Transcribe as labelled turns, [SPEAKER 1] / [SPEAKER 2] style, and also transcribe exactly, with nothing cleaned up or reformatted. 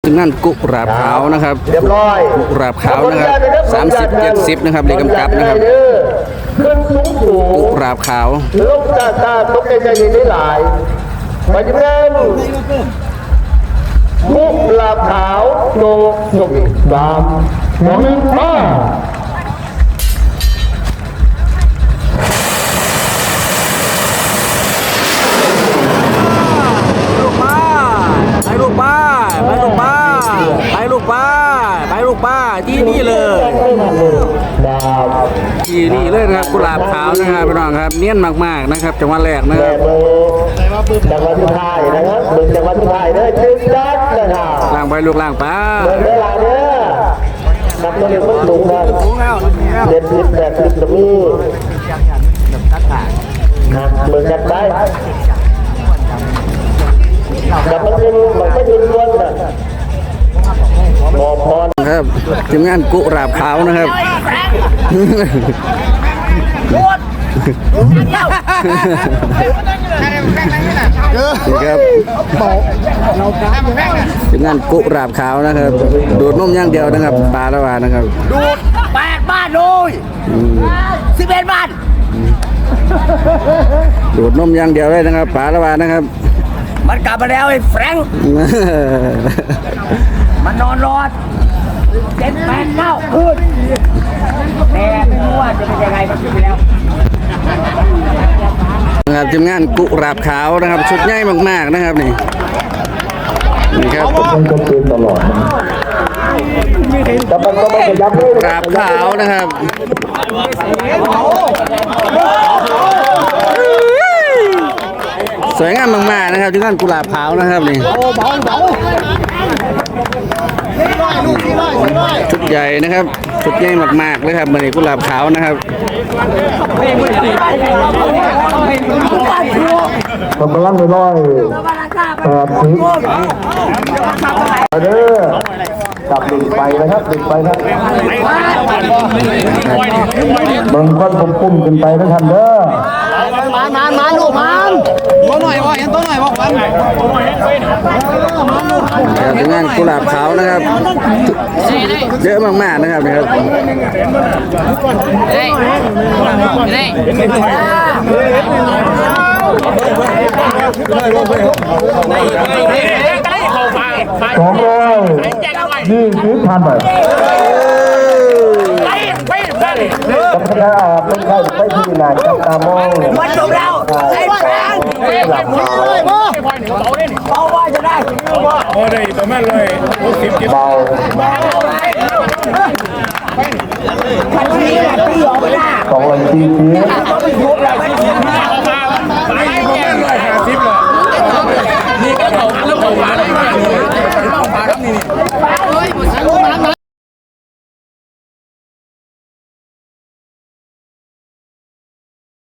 [SPEAKER 1] ถึงนั่นกุหลาบขาวนะครับเรียบร้อยกุหลาบขาวนะครับสามสิบเจ็ดสิบนะครับเลขกำกับนะครับ
[SPEAKER 2] ขึ้นสูงสูง
[SPEAKER 1] กุหลาบขาว
[SPEAKER 2] ลงตาตาตกใจใจได้หลายไปจิ้มเล่นกุหลาบขาวโจกจกสามสองหนึ่งมา
[SPEAKER 1] ไปลูกป้าไปลูกป้าไปลูกป้าไปลูกป้าที่นี่เลยที่นี่เลยนะครับกุหลาบขาวนะครับพี่น้องครับเนียนมากๆนะครับจังหวัดแรกนะครับ
[SPEAKER 2] จังหวัดที่ไทยนะครับมึงจังหวัดที่ไทยเด้อชื่อจัดนะครับ
[SPEAKER 1] ล่างไปลูกล่างป้า
[SPEAKER 2] เดินได้หลายเด้อนับตัวเดียวก็สูงนะเจ็ดสิบแปดสิบตรงนี้นะมึงจัดไปจับมันเป็นมันไม่เป็นล้วนนะหมอพร
[SPEAKER 1] ครับทีมงานกุหลาบขาวนะครับครับทีมงานกุหลาบขาวนะครับดูดนมอย่างเดียวนะครับปลาละวานะครับ
[SPEAKER 3] ดูดแปดบ้านเลยสิบเอ็ดบ้าน
[SPEAKER 1] ดูดนมอย่างเดียวเลยนะครับปลาละวานะครับ
[SPEAKER 3] มันกลับมาแล้วไอ้แฟรงค์มันนอนรอดเจ็ดแปดเก้าคืนแต่ไม่รู้ว่าจะเป็นยังไงมันขึ้นไปแล้ว
[SPEAKER 1] นะครับทีมงานกุหลาบขาวนะครับชุดใหญ่มากๆนะครับนี่นี่ครับกุหลาบขาวนะครับสวยงามมากๆนะครับทีมงานกุหลาบขาวนะครับนี่ชุดใหญ่นะครับชุดใหญ่มากๆเลยครับมันนี่กุหลาบขาวนะครับ
[SPEAKER 2] กำลังน้อยแปดสิบเด้อจับดึงไปนะครับดึงไปครับบางคนผมปุ่มขึ้นไปนะท่านเด้อ
[SPEAKER 3] มามามาลูกมันตัวหน่อยว่าเห็นตัวหน่อยบอกมัน
[SPEAKER 1] ทีมงานกุหลาบขาวนะครับเยอะมากๆนะครับนะครับ
[SPEAKER 2] สองร้อยยี่สิบพันบาทจับได้เป็นใครไปที่ไหนจับตามอง
[SPEAKER 3] มันจบแล้วไอ้แฟนหลับเลยพ่อเบาว่าจะได้
[SPEAKER 4] โอ้ได้ประมาณเลยหกสิบ
[SPEAKER 2] เบา
[SPEAKER 3] พันนี้แหละพี่ออกมาส
[SPEAKER 2] องร้อยสี่สิบ